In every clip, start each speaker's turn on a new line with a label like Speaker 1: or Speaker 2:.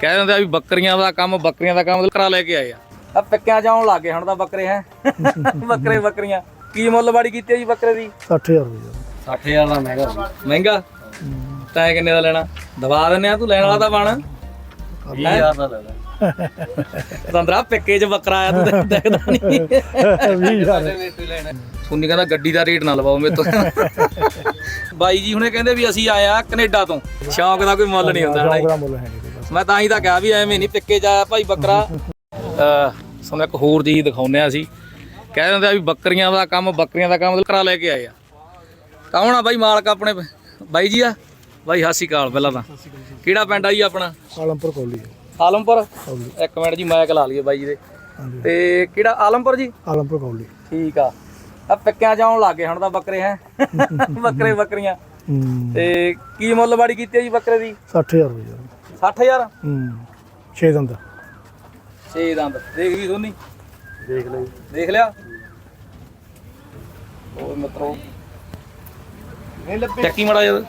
Speaker 1: ਕਹਿ ਦਿੰਦੇ ਆ ਵੀ ਬੱਕਰੀਆਂ ਦਾ ਕੰਮ ਕਰਾ ਲੈ ਕੇ ਆਏ ਆ ਪਿੱਕਿਆਂ ਚ ਆਉਣ ਲੱਗ ਗਏ ਹੁਣ ਤਾਂ ਬੱਕਰੇ ਹੈ ਬੱਕਰੀਆਂ ਕੀ ਮੁੱਲਵਾੜੀ ਕੀਤੀ ਜੀ ਬੱਕਰੇ ਦੀ
Speaker 2: 60000 ਰੁਪਏ
Speaker 1: 60000 ਦਾ ਮਹਿੰਗਾ ਤੈਂ ਕਿੰਨੇ ਦਾ ਲੈਣਾ ਦਵਾ ਦਿੰਨੇ ਆ ਤੂੰ ਲੈਣ ਵਾਲਾ ਤਾਂ ਬਣ
Speaker 3: 20000 ਦਾ ਲੈ ਲੈ
Speaker 1: ਤੰਦਰਾ ਪਿੱਕੇ ਚ ਬੱਕਰਾ ਆਇਆ ਤੂੰ ਦੇਖਦਾ ਨਹੀਂ
Speaker 2: 20000
Speaker 1: ਸੁਣੀ ਕਹਿੰਦਾ ਗੱਡੀ ਦਾ ਰੇਟ ਨਾ ਲਵਾਓ ਮੇਰੇ ਤੋਂ ਬਾਈ ਜੀ ਹੁਣੇ ਕਹਿੰਦੇ ਵੀ ਅਸੀਂ ਆਏ ਆ ਕੈਨੇਡਾ ਤੋਂ ਸ਼ੌਂਕ ਦਾ ਕੋਈ ਮੁੱਲ ਨਹੀਂ ਹੁੰਦਾ
Speaker 2: ਦਾ ਮੁੱਲ ਹੈ ਨਹੀਂ ਬਸ
Speaker 1: ਮੈਂ ਤਾਂ ਹੀ ਤਾਂ ਕਿਹਾ ਵੀ ਐਵੇਂ ਨਹੀਂ ਪਿੱਕੇ ਚ ਆਇਆ ਭਾਈ ਬੱਕਰਾ ਸਾਨੂੰ ਇੱਕ ਹੋਰ ਚੀਜ਼ ਦਿਖਾਉਂਦੇ ਆ ਅਸੀਂ ਕਹਿ ਦਿੰਦੇ ਆ ਵੀ ਬੱਕਰੀਆਂ ਦਾ ਕੰਮ ਕਰਾ ਲੈ ਕੇ ਆਏ ਆ ਕੌਣ ਆ ਬਾਈ ਮਾਲਕ ਆਪਣੇ ਬਾਈ ਜੀ ਆ ਬਾਈ ਸਤਿ ਸ਼੍ਰੀ ਅਕਾਲ ਪਹਿਲਾਂ ਤਾਂ ਕਿਹੜਾ ਪਿੰਡ ਆ ਜੀ ਆਪਣਾ
Speaker 2: ਆਲਮਪੁਰ ਕੋਲੀ
Speaker 1: ਆਲਮਪੁਰ ਇੱਕ ਮਿੰਟ ਜੀ ਮਾਈਕ ਲਾ ਲਈਏ ਬਾਈ ਜੀ ਦੇ ਤੇ ਕਿਹੜਾ ਆਲਮਪੁਰ ਜੀ
Speaker 2: ਆਲਮਪੁਰ ਕੋਲੀ
Speaker 1: ਠੀਕ ਆ ਪਿੱਕਿਆਂ ਚ ਆਉਣ ਲੱਗ ਗਏ ਹੁਣ ਤਾਂ ਬੱਕਰੇ ਹੈ ਬੱਕਰੀਆਂ ਤੇ ਕੀ ਮੁੱਲਵਾੜੀ ਕੀਤੀ ਜੀ ਬੱਕਰੇ ਦੀ
Speaker 2: 60000 ਰੁਪਏ
Speaker 1: 60000
Speaker 2: 6 ਦੰਦ
Speaker 1: 6 ਦੰਦ ਦੇਖ ਵੀ ਸੋਨੀ ਦੇਖ ਲਿਆ ਉਹ ਮਿੱਤਰੋ ਚੱਕੀ ਮੜਾ ਜਦ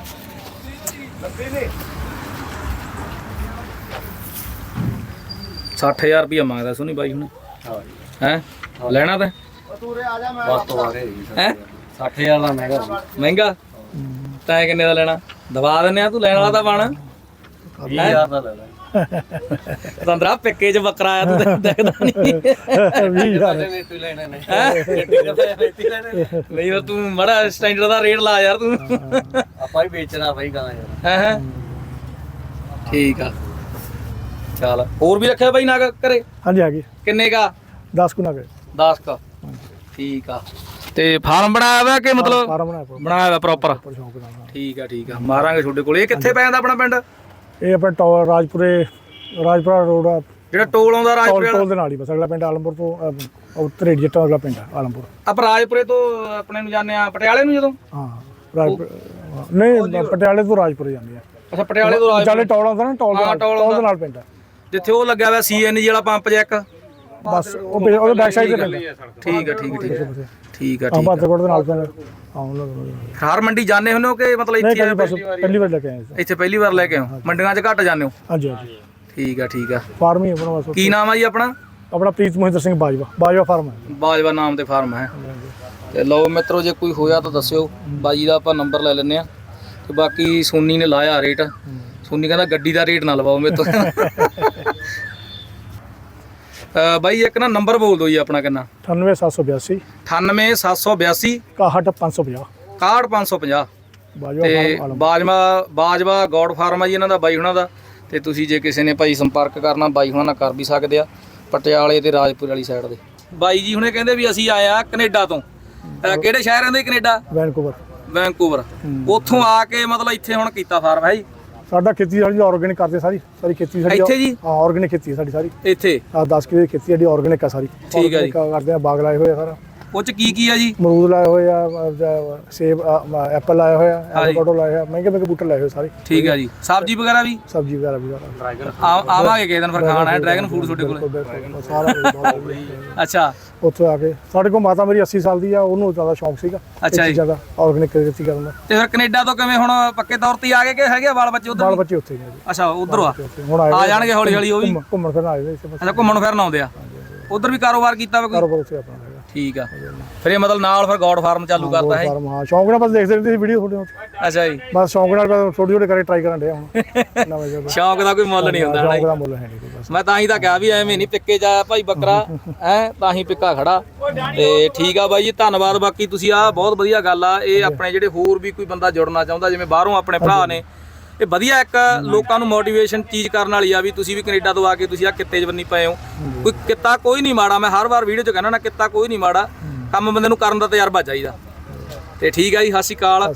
Speaker 1: 60000 ਰੁਪਇਆ ਮੰਗਦਾ ਸੋਨੀ ਬਾਈ ਹੁਣ ਹੈ ਲੈਣਾ ਤਾਂ
Speaker 3: ਬਸ ਤੋਂ ਆ ਰਹੇ
Speaker 1: ਹੈ
Speaker 3: 60000 ਦਾ
Speaker 1: ਮਹਿੰਗਾ ਤੈਂ ਕਿੰਨੇ ਦਾ ਲੈਣਾ ਦਵਾ ਦਿੰਨੇ ਆ ਤੂੰ ਲੈਣ ਵਾਲਾ ਤਾਂ ਬਣ
Speaker 3: 20000 ਦਾ ਲੈ ਲੈ
Speaker 1: ਤੰਦਰਾ ਪਿੱਕੇ ਚ ਬੱਕਰਾ ਆਇਆ ਤੂੰ ਦੇਖਦਾ ਨਹੀਂ
Speaker 2: 20000
Speaker 3: ਰੇਤੀ ਲੈਣੇ ਨੇ
Speaker 1: ਨਹੀਂ ਉਹ ਤੂੰ ਮੜਾ ਸਟੈਂਡਰਡ ਦਾ ਰੇਟ ਲਾ ਯਾਰ ਤੂੰ
Speaker 3: ਆਪਾਂ ਹੀ ਵੇਚਣਾ ਬਾਈ ਗਾਂ ਯਾਰ
Speaker 1: ਹੈ ਠੀਕ ਆ ਚੱਲ ਹੋਰ ਵੀ ਰੱਖਿਆ ਬਾਈ ਨਾ ਘਰੇ
Speaker 2: ਹਾਂਜੀ ਆ ਗਈ
Speaker 1: ਕਿੰਨੇ ਕਾ
Speaker 2: 10 ਕੁ ਨਾ ਗਏ
Speaker 1: 10 ਕਾ ਠੀਕ ਆ ਤੇ ਫਾਰਮ ਬਣਾਇਆ ਵਾ ਕਿ ਮਤਲਬ
Speaker 2: ਫਾਰਮ
Speaker 1: ਬਣਾਇਆ ਵਾ ਪ੍ਰੋਪਰ
Speaker 2: ਸ਼ੌਂਕ ਨਾਲ
Speaker 1: ਠੀਕ ਆ ਮਾਰਾਂਗੇ ਤੁਹਾਡੇ ਕੋਲ ਇਹ ਕਿੱਥੇ ਪੈ ਜਾਂਦਾ ਆਪਣਾ ਪਿੰਡ
Speaker 2: ਇਹ ਆਪਣਾ ਰਾਜਪੁਰਾ ਰੋਡ ਆ
Speaker 1: ਜਿਹੜਾ ਟੋਲ ਆਉਂਦਾ ਰਾਜਪੁਰੇ
Speaker 2: ਟੋਲ ਦੇ ਨਾਲ ਹੀ ਬਸ ਅਗਲਾ ਪਿੰਡ ਆਲਮਪੁਰ ਤੋਂ ਉੱਤਰ ਜੱਟਾਂ ਅਗਲਾ ਪਿੰਡ ਆਲਮਪੁਰ
Speaker 1: ਆਪਾਂ ਰਾਜਪੁਰੇ ਤੋਂ ਆਪਣੇ ਨੂੰ ਜਾਂਦੇ ਆ ਪਟਿਆਲੇ ਨੂੰ ਜਦੋਂ
Speaker 2: ਹਾਂ ਰਾਜਪੁਰ ਨਹੀਂ ਪਟਿਆਲੇ ਤੋਂ ਰਾਜਪੁਰ ਜਾਂਦੇ ਆ
Speaker 1: ਅੱਛਾ ਪਟਿਆਲੇ ਤੋਂ
Speaker 2: ਚਾਲੇ ਟੋਲ ਆਉਂਦਾ ਨਾ ਟੋਲ ਦੇ ਨਾਲ ਪਿੰਡ ਆ
Speaker 1: ਜਿੱਥੇ ਉਹ ਲੱਗਿਆ ਹੋਇਆ ਸੀਐਨਜੀ ਵਾਲਾ ਪੰਪ ਜਿਹਾ ਇੱਕ
Speaker 2: ਬਸ ਉਹਦੇ ਬੈਕ ਸਾਈਡ ਤੇ ਪਿੰਡ
Speaker 1: ਠੀਕ ਆ
Speaker 2: ਬਾਦਰਕੋਟ ਦੇ ਨਾਲ ਪਿੰਡ
Speaker 1: ਹਰ ਮੰਡੀ ਜਾਂਦੇ ਹੁੰਦੇ ਹੋ ਕਿ ਮਤਲਬ ਇੱਥੇ
Speaker 2: ਬਸ ਪਹਿਲੀ ਵਾਰ ਲੈ ਕੇ ਆਏ
Speaker 1: ਇੱਥੇ ਪਹਿਲੀ ਵਾਰ ਲੈ ਕੇ ਆਓ ਮੰਡੀਆਂ 'ਚ ਘੱਟ ਜਾਂਦੇ ਹੋ
Speaker 2: ਹਾਂਜੀ ਹਾਂਜੀ
Speaker 1: ਠੀਕ ਆ
Speaker 2: ਫਾਰਮ ਹੀ ਆਪਣਾ ਬਸ
Speaker 1: ਕੀ ਨਾਮ ਆ ਜੀ ਆਪਣਾ
Speaker 2: ਪ੍ਰੀਤ ਮਹਿੰਦਰ ਸਿੰਘ ਬਾਜਵਾ ਫਾਰਮ ਹੈ
Speaker 1: ਬਾਜਵਾ ਨਾਮ ਤੇ ਫਾਰਮ ਹੈ ਤੇ ਲਓ ਮਿੱਤਰੋ ਜੇ ਕੋਈ ਹੋਇਆ ਤਾਂ ਦੱਸਿਓ ਬਾਜੀ ਦਾ ਆਪਾਂ ਨੰਬਰ ਲੈ ਲੈਂਦੇ ਆ ਤੇ ਬਾਕੀ ਸੋਨੀ ਨੇ ਲਾਇਆ ਰੇਟ ਸੋਨੀ ਕਹਿੰਦਾ ਗੱਡੀ ਦਾ ਰੇਟ ਨਾ ਲਵਾਓ ਮੇਰੇ ਤੋਂ ਬਾਈ ਇੱਕ ਨਾ ਨੰਬਰ ਬੋਲ ਦਿਓ ਜੀ ਆਪਣਾ ਕਿੰਨਾ
Speaker 2: 98782
Speaker 1: 98782
Speaker 2: 61550
Speaker 1: 61550 ਤੇ ਬਾਜਵਾ ਗੌਡ ਫਾਰਮ ਆ ਜੀ ਇਹਨਾਂ ਦਾ ਬਾਈ ਹੁਣਾਂ ਦਾ ਤੇ ਤੁਸੀਂ ਜੇ ਕਿਸੇ ਨੇ ਭਾਈ ਸੰਪਰਕ ਕਰਨਾ ਬਾਈ ਹੁਣਾਂ ਨਾਲ ਕਰ ਵੀ ਸਕਦੇ ਆ ਪਟਿਆਲੇ ਤੇ ਰਾਜਪੁਰ ਵਾਲੀ ਸਾਈਡ ਦੇ ਬਾਈ ਜੀ ਹੁਣੇ ਕਹਿੰਦੇ ਵੀ ਅਸੀਂ ਆਏ ਆ ਕੈਨੇਡਾ ਤੋਂ ਕਿਹੜੇ ਸ਼ਹਿਰਾਂ ਦੇ ਕੈਨੇਡਾ ਵੈਨਕੂਵਰ ਉੱਥੋਂ ਆ ਕੇ ਮਤਲਬ ਇੱਥੇ ਹੁਣ ਕੀਤਾ ਫਾਰਮ ਹੈ ਜੀ
Speaker 2: ਸਾਡਾ ਖੇਤੀ ਸਾਡੀ ਆਰਗੈਨਿਕ ਕਰਦੇ ਸਾਰੀ ਖੇਤੀ ਸਾਡੀ
Speaker 1: ਇੱਥੇ ਜੀ
Speaker 2: ਹਾਂ ਆਰਗੈਨਿਕ ਖੇਤੀ ਸਾਡੀ ਸਾਰੀ
Speaker 1: ਇੱਥੇ
Speaker 2: 10 ਕਿਲੇ ਖੇਤੀ ਸਾਡੀ ਆਰਗੈਨਿਕ ਆ ਸਾਰੀ
Speaker 1: ਠੀਕ ਆ ਜੀ
Speaker 2: ਕਰਦੇ ਆ ਬਾਗ ਲਾਏ ਹੋਏ ਆ ਸਾਰਾ
Speaker 1: ਉਹ ਚ ਕੀ ਆ ਜੀ
Speaker 2: ਅਮਰੂਦ ਲਾਏ ਹੋਏ ਆ ਸੇਬ ਐਪਲ ਲਾਏ ਹੋਏ ਆ ਐਵੋਕਾਡੋ ਲਾਏ ਹੋਏ ਮਹਿੰਗੇ ਬੂਟੇ ਲਾਏ ਹੋਏ ਸਾਰੇ ਠੀਕ
Speaker 1: ਆ ਜੀ ਸਬਜ਼ੀ ਵਗੈਰਾ ਵੀ
Speaker 2: ਡਰੈਗਨ
Speaker 1: ਆਵਾਂਗੇ ਕਿਸੇ ਦਿਨ ਫਿਰ ਖਾਣਾ ਹੈ ਡਰੈਗਨ ਫੂਡ ਤੁਹਾਡੇ ਕੋਲ
Speaker 2: ਸਾਰਾ
Speaker 1: ਅੱਛਾ
Speaker 2: ਉੱਥੇ ਆ ਕੇ ਸਾਡੇ ਕੋਲ ਮਾਤਾ ਮੇਰੀ 80 ਸਾਲ ਦੀ ਆ ਉਹਨੂੰ ਜ਼ਿਆਦਾ ਸ਼ੌਂਕ ਸੀਗਾ
Speaker 1: ਅੱਛਾ ਜੀ
Speaker 2: ਜ਼ਿਆਦਾ ਆਰਗੈਨਿਕ ਖੇਤੀ ਕਰਨ ਦਾ
Speaker 1: ਤੇ ਫਿਰ ਕੈਨੇਡਾ ਤੋਂ ਕਿਵੇਂ ਹੁਣ ਪੱਕੇ ਤੌਰ ਤੇ ਆ ਗਏ ਕਿ ਹੈਗੇ ਬਾਲ ਬੱਚੇ ਉਧਰ
Speaker 2: ਉੱਥੇ ਨੇ
Speaker 1: ਅੱਛਾ ਉਧਰ
Speaker 2: ਹੁਣ
Speaker 1: ਆ ਜਾਣਗੇ ਹੌਲੀ ਹੌਲੀ ਉਹ ਵੀ
Speaker 2: ਘੁੰਮਣ ਫਿਰਨ ਆਏ ਨੇ
Speaker 1: ਅੱਛਾ ਘੁੰਮਣ ਫਿਰਨ ਆਉਂਦੇ ਆ ਉਧਰ ਵੀ ਕਾਰੋਬਾਰ ਕੀਤਾ ਵਾ ਕੋਈ
Speaker 2: ਕਾਰੋਬਾਰ ਉੱਥੇ ਆਪਣਾ
Speaker 1: ਠੀਕ ਆ ਫਿਰ ਇਹ ਮਤਲਬ ਨਾਲ ਫਿਰ ਗੌਡ ਫਾਰਮ ਚਾਲੂ ਕਰਤਾ ਹੈ
Speaker 2: ਹਾਂ ਸ਼ੌਂਕ ਨਾਲ ਬਸ ਦੇਖਦੇ ਰਹਿੰਦੇ ਸੀ ਵੀਡੀਓ ਤੁਹਾਡੇ
Speaker 1: ਅੱਛਾ ਜੀ
Speaker 2: ਬਸ ਸ਼ੌਂਕ ਨਾਲ ਥੋੜੀ ਕਰੇ ਟਰਾਈ ਕਰਨ ਡਿਆ ਹੁਣ ਨਵੇਂ ਜਗ੍ਹਾ
Speaker 1: ਸ਼ੌਂਕ ਦਾ ਕੋਈ ਮੁੱਲ ਨਹੀਂ ਹੁੰਦਾ
Speaker 2: ਸ਼ੌਂਕ ਦਾ ਮੁੱਲ ਹੈ ਨਹੀਂ ਬਸ
Speaker 1: ਮੈਂ ਤਾਂ ਹੀ ਤਾਂ ਕਿਹਾ ਵੀ ਐਵੇਂ ਨਹੀਂ ਪਿੱਕੇ ਜਾ ਭਾਈ ਬੱਕਰਾ ਹੈ ਤਾਂ ਹੀ ਪਿੱਕਾ ਖੜਾ ਤੇ ਠੀਕ ਆ ਬਾਈ ਜੀ ਧੰਨਵਾਦ ਬਾਕੀ ਤੁਸੀਂ ਆ ਬਹੁਤ ਵਧੀਆ ਗੱਲ ਆ ਇਹ ਆਪਣੇ ਜਿਹੜੇ ਹੋਰ ਵੀ ਕੋਈ ਬੰਦਾ ਜੁੜਨਾ ਚਾਹੁੰਦਾ ਜਿਵੇਂ ਬਾਹਰੋਂ ਆਪਣੇ ਭਰਾ ਨੇ ਇਹ ਵਧੀਆ ਇੱਕ ਲੋਕਾਂ ਨੂੰ ਮੋਟੀਵੇਸ਼ਨ ਚੀਜ਼ ਕਰਨ ਵਾਲੀ ਆ ਵੀ ਤੁਸੀਂ ਵੀ ਕੈਨੇਡਾ ਤੋਂ ਆ ਕੇ ਤੁਸੀਂ ਆ ਕਿੱਤੇ 'ਚ ਬੰਨੀ ਪਏ ਹੋ ਕੋਈ ਕਿੱਤਾ ਕੋਈ ਨਹੀਂ ਮਾੜਾ ਮੈਂ ਹਰ ਵਾਰ ਵੀਡੀਓ 'ਚ ਕਹਿੰਦਾ ਨਾ ਕਿੱਤਾ ਕੋਈ ਨਹੀਂ ਮਾੜਾ ਕੰਮ ਬੰਦੇ ਨੂੰ ਕਰਨ ਦਾ ਤਜਰਬਾ ਚਾਹੀਦਾ ਤੇ ਠੀਕ ਆ ਜੀ ਸਤਿ ਸ਼੍ਰੀ ਅਕਾਲ